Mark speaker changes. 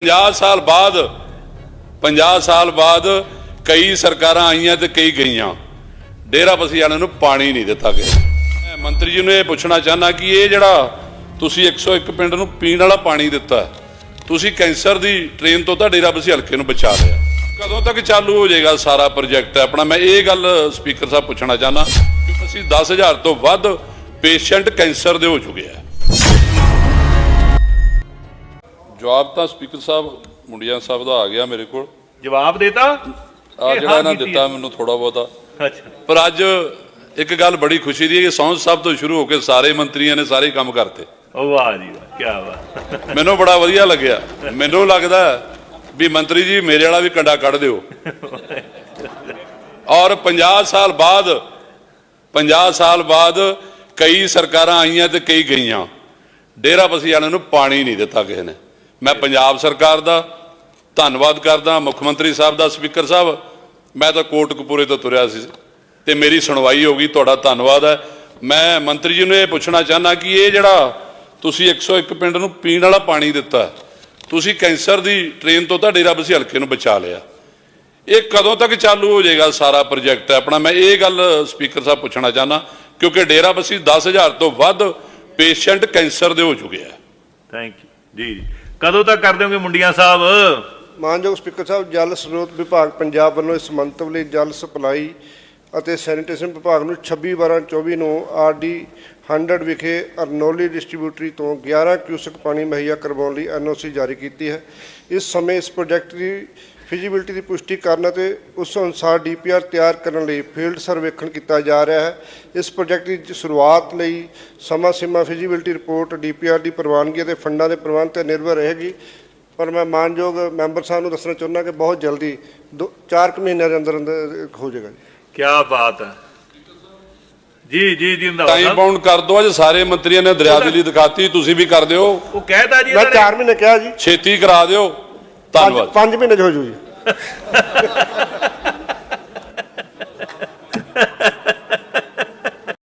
Speaker 1: 50 साल बाद कई सरकारां आईयां ते कई गईयां, डेरा बस्सी वालियां नूं पानी नहीं दिता गया। मंत्री जी नूं ये पुछना चाहना कि ये जिहड़ा तुसीं 101 पिंड नूं पीण वाला पानी दिता, तुसीं कैंसर दी ट्रेन तो डेरा बस्सी हल्के नूं बचा लिया, कदों तक चालू हो जाएगा सारा प्रोजैक्ट अपना? मैं ये गल स्पीकर साहब पुछना चाहना कि असीं 10,000 तो वध पेशेंट कैंसर दे हो चुके हैं। जवाब तो स्पीकर साहब मुंडिया साहब का आ गया मेरे को,
Speaker 2: जवाब देता
Speaker 1: ਜਿਹੜਾ ਇਹਨਾਂ ਦਿੱਤਾ ਮੈਨੂੰ ਥੋੜਾ ਬਹੁਤਾ। ਪਰ ਅੱਜ ਇੱਕ ਗੱਲ ਬੜੀ ਖੁਸ਼ੀ ਦੀ ਹੈ ਕਿ ਸੌਂਦ ਸਾਹਿਬ ਤੋਂ ਸ਼ੁਰੂ ਹੋ ਕੇ ਸਾਰੇ ਮੰਤਰੀਆਂ ਨੇ ਸਾਰੇ ਕੰਮ ਕਰਤੇ।
Speaker 2: ਵਾਹ ਜੀ ਵਾਹ, ਕੀ ਬਾਤ।
Speaker 1: ਮੈਨੂੰ ਬੜਾ ਵਧੀਆ ਲੱਗਿਆ। ਮੈਨੂੰ ਲੱਗਦਾ ਵੀ ਮੰਤਰੀ ਜੀ ਮੇਰੇ ਵਾਲਾ ਵੀ ਕੰਡਾ ਕੱਢ ਦਿਓ। ਔਰ 50 ਸਾਲ ਬਾਅਦ ਕਈ ਸਰਕਾਰਾਂ ਆਈਆਂ ਤੇ ਕਈ ਗਈਆਂ, ਡੇਰਾ ਬਸੀ ਵਾਲਿਆਂ ਨੂੰ ਪਾਣੀ ਨਹੀਂ ਦਿੱਤਾ ਕਿਸੇ ਨੇ। मैं पंजाब सरकार का धन्नवाद करदा, मुख मंत्री साहब का, स्पीकर साहब मैं तो कोटकपूरे तो तुरया सी ते मेरी सुनवाई होगी, तुहाडा धन्नवाद है। मैं मंत्री जी ने यह पूछना चाहना कि ये जिहड़ा तुसीं 101 पिंड नूं पीण वाला पानी दिता, तुसीं कैंसर दी ट्रेन तो डेरा बस्सी हल्के नूं बचा लिया, ये कदों तक चालू हो जाएगा सारा प्रोजैक्ट अपना? मैं ये गल स्पीकर साहब पूछना चाहना क्योंकि डेरा बस्सी 10,000 तो वध पेशेंट कैंसर दे हो चुके हैं।
Speaker 2: Thank you ji. कदों तक कर दोगे मुंडिया साहब?
Speaker 3: मानयोग स्पीकर साहब, जल स्रोत विभाग पंजाब वालों इस मंतव ਲਈ जल सप्लाई ਅਤੇ ਸੈਨੀਟੇਸ਼ਨ ਵਿਭਾਗ ਨੂੰ 26/12/24 ਨੂੰ RD 100 ਵਿਖੇ ਅਰਨੋਲੀ ਡਿਸਟ੍ਰੀਬਿਊਟਰੀ ਤੋਂ 11 ਕਿਊਸਕ ਪਾਣੀ ਮੁਹੱਈਆ ਕਰਵਾਉਣ ਲਈ NOC ਜਾਰੀ ਕੀਤੀ ਹੈ। ਇਸ ਸਮੇਂ ਇਸ ਪ੍ਰੋਜੈਕਟ ਦੀ ਫਿਜ਼ੀਬਿਲਿਟੀ ਦੀ ਪੁਸ਼ਟੀ ਕਰਨ ਅਤੇ ਉਸ ਅਨੁਸਾਰ DPR ਤਿਆਰ ਕਰਨ ਲਈ ਫੀਲਡ ਸਰਵੇਖਣ ਕੀਤਾ ਜਾ ਰਿਹਾ ਹੈ। ਇਸ ਪ੍ਰੋਜੈਕਟ ਦੀ ਸ਼ੁਰੂਆਤ ਲਈ ਸਮਾਂ ਸੀਮਾ ਫਿਜ਼ੀਬਿਲਿਟੀ ਰਿਪੋਰਟ DPR ਦੀ ਪ੍ਰਵਾਨਗੀ ਅਤੇ ਫੰਡਾਂ ਦੇ ਪ੍ਰਬੰਧ 'ਤੇ ਨਿਰਭਰ ਰਹੇਗੀ। पर मैं मानयोग मैंबर साहब को दसना चाहना कि बहुत जल्दी 4 महीनों के अंदर अंदर हो जाएगा।
Speaker 2: क्या बात है जी जी जी।
Speaker 1: टाइम बाउंड कर दो, अज सारे मंत्रियों ने दरियादिली दिखाती, तुसीं भी कर दिओ।
Speaker 2: वो कहता जी
Speaker 3: मैं 4 महीने कहा जी,
Speaker 1: छेती करा दिओ। धन्नवाद।
Speaker 3: 5 महीने हो जू जी।